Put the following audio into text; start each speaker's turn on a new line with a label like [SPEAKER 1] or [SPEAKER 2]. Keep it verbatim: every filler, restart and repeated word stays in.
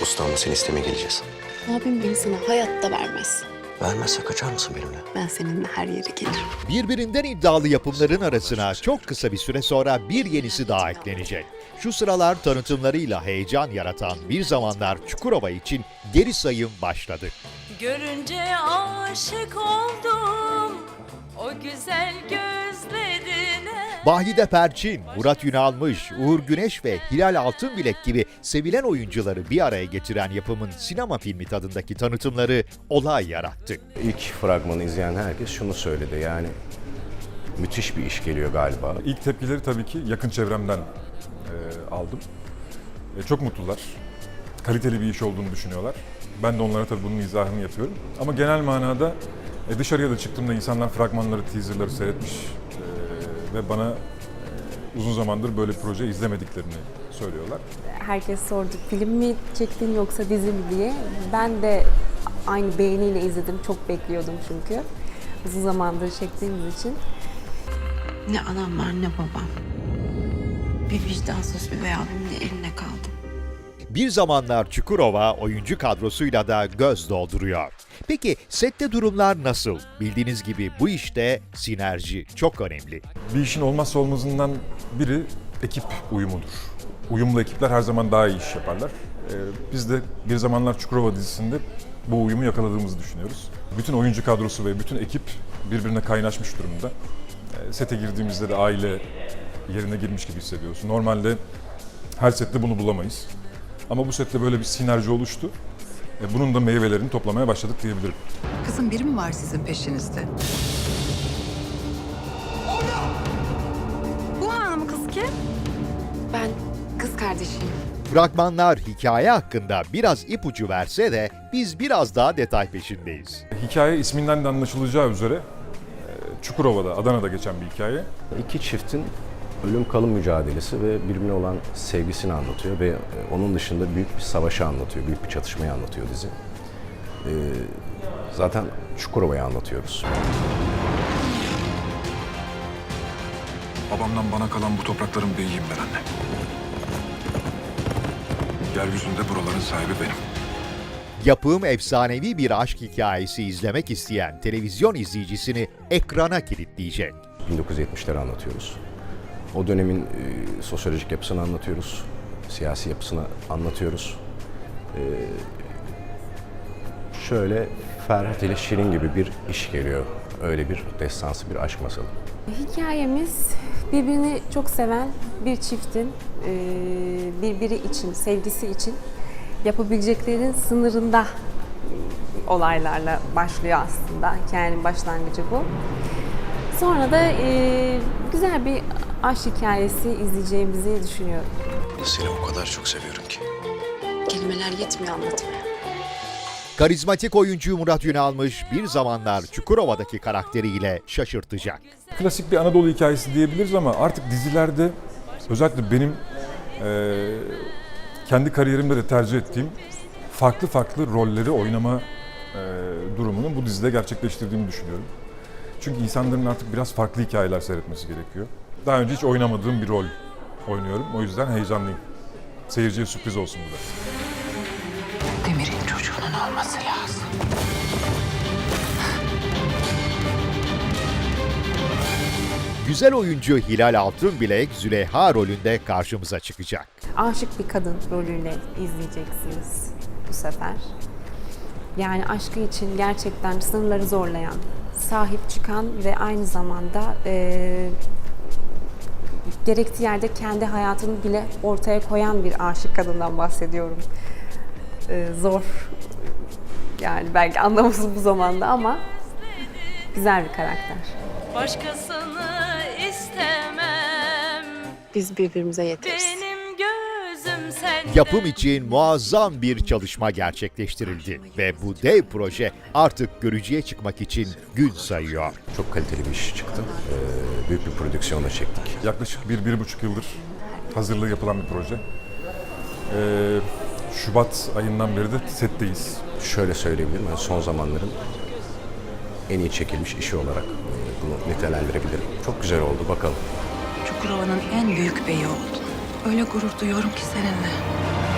[SPEAKER 1] Ustamla seni istemeye geleceğiz.
[SPEAKER 2] Abim beni sana hayatta vermez.
[SPEAKER 1] Vermezse kaçar mısın benimle?
[SPEAKER 2] Ben seninle her yere gelirim.
[SPEAKER 3] Birbirinden iddialı yapımların arasına çok kısa bir süre sonra bir yenisi daha eklenecek. Şu sıralar tanıtımlarıyla heyecan yaratan Bir Zamanlar Çukurova için geri sayım başladı.
[SPEAKER 4] Görünce aşık oldum o güzel gözlerine.
[SPEAKER 3] Bahide Perçin, Murat Ünalmış, Uğur Güneş ve Hilal Altınbilek gibi sevilen oyuncuları bir araya getiren yapımın sinema filmi tadındaki tanıtımları olay yarattı.
[SPEAKER 5] İlk fragmanı izleyen herkes şunu söyledi, yani müthiş bir iş geliyor galiba.
[SPEAKER 6] İlk tepkileri tabii ki yakın çevremden e, aldım. E, çok mutlular. Kaliteli bir iş olduğunu düşünüyorlar. Ben de onlara tabii bunun izahını yapıyorum. Ama genel manada e, dışarıya da çıktığımda insanlar fragmanları, teaserları seyretmiş e, ve bana e, uzun zamandır böyle proje izlemediklerini söylüyorlar.
[SPEAKER 7] Herkes sordu, film mi çektin yoksa dizi mi diye. Ben de aynı beğeniyle izledim, çok bekliyordum çünkü. Uzun zamandır çektiğimiz için.
[SPEAKER 2] Ne anam var ne babam. Bir vicdansız üvey abimin de eline kaldım.
[SPEAKER 3] Bir Zamanlar Çukurova oyuncu kadrosuyla da göz dolduruyor. Peki sette durumlar nasıl? Bildiğiniz gibi bu işte sinerji çok önemli.
[SPEAKER 6] Bir işin olmazsa olmazından biri ekip uyumudur. Uyumlu ekipler her zaman daha iyi iş yaparlar. Ee, biz de Bir Zamanlar Çukurova dizisinde bu uyumu yakaladığımızı düşünüyoruz. Bütün oyuncu kadrosu ve bütün ekip birbirine kaynaşmış durumda. Ee, sete girdiğimizde de aile yerine girmiş gibi hissediyorsun. Normalde her sette bunu bulamayız. Ama bu sette böyle bir sinerji oluştu. E, bunun da meyvelerini toplamaya başladık diyebilirim.
[SPEAKER 8] Kızım biri mi var sizin peşinizde?
[SPEAKER 4] Bu hanım kız kim?
[SPEAKER 2] Ben kız kardeşiyim.
[SPEAKER 3] Fragmanlar hikaye hakkında biraz ipucu verse de biz biraz daha detay peşindeyiz.
[SPEAKER 6] Hikaye isminden de anlaşılacağı üzere e, Çukurova'da, Adana'da geçen bir hikaye.
[SPEAKER 5] İki çiftin ölüm kalım mücadelesi ve birbirine olan sevgisini anlatıyor ve onun dışında büyük bir savaşı anlatıyor, büyük bir çatışmayı anlatıyor dizi. Ee, zaten Çukurova'yı anlatıyoruz.
[SPEAKER 9] Babamdan bana kalan bu toprakların beyiyim ben anne. Yeryüzünde buraların sahibi benim.
[SPEAKER 3] Yapım efsanevi bir aşk hikayesi izlemek isteyen televizyon izleyicisini ekrana kilitleyecek.
[SPEAKER 5] bin dokuz yüz yetmişleri anlatıyoruz. O dönemin e, sosyolojik yapısını anlatıyoruz, siyasi yapısını anlatıyoruz. E, şöyle Ferhat ile Şirin gibi bir iş geliyor, öyle bir destansı bir aşk masalı.
[SPEAKER 7] Hikayemiz birbirini çok seven bir çiftin e, birbiri için, sevgisi için yapabileceklerinin sınırında olaylarla başlıyor aslında. Hikayenin başlangıcı bu. Sonra da e, güzel bir aşk hikayesi izleyeceğimizi düşünüyorum.
[SPEAKER 1] Seni o kadar çok seviyorum ki.
[SPEAKER 2] Kelimeler yetmiyor anlatmaya.
[SPEAKER 3] Karizmatik oyuncu Murat Ünalmış Bir Zamanlar Çukurova'daki karakteriyle şaşırtacak.
[SPEAKER 6] Klasik bir Anadolu hikayesi diyebiliriz ama artık dizilerde özellikle benim e, kendi kariyerimde de tercih ettiğim farklı farklı rolleri oynama e, durumunu bu dizide gerçekleştirdiğimi düşünüyorum. Çünkü insanların artık biraz farklı hikayeler seyretmesi gerekiyor. Daha önce hiç oynamadığım bir rol oynuyorum. O yüzden heyecanlıyım. Seyirciye sürpriz olsun bu da.
[SPEAKER 8] Demir'in çocuğunun olması lazım.
[SPEAKER 3] Güzel oyuncu Hilal Altınbilek Züleyha rolünde karşımıza çıkacak.
[SPEAKER 7] Aşık bir kadın rolüyle izleyeceksiniz bu sefer. Yani aşkı için gerçekten sınırları zorlayan, sahip çıkan ve aynı zamanda e, gerektiği yerde kendi hayatını bile ortaya koyan bir aşık kadından bahsediyorum. E, zor, yani belki anlaması bu zamanda ama güzel bir karakter.
[SPEAKER 4] Başkasını istemem.
[SPEAKER 2] Biz birbirimize yeteriz.
[SPEAKER 4] Benim gözüm sende.
[SPEAKER 3] Yapım için muazzam bir çalışma gerçekleştirildi ve bu dev proje artık görücüye çıkmak için gün sayıyor.
[SPEAKER 5] Çok kaliteli bir iş çıktı. Ee, büyük bir prodüksiyonla çektik.
[SPEAKER 6] Yaklaşık bir, bir buçuk yıldır hazırlığı yapılan bir proje. Ee, Şubat ayından beri de setteyiz.
[SPEAKER 5] Şöyle söyleyebilirim, yani son zamanların en iyi çekilmiş işi olarak e, bunu nitelendirebilirim. Çok güzel oldu, bakalım.
[SPEAKER 8] Çukurova'nın en büyük beyi oldun. Öyle gurur duyuyorum ki seninle.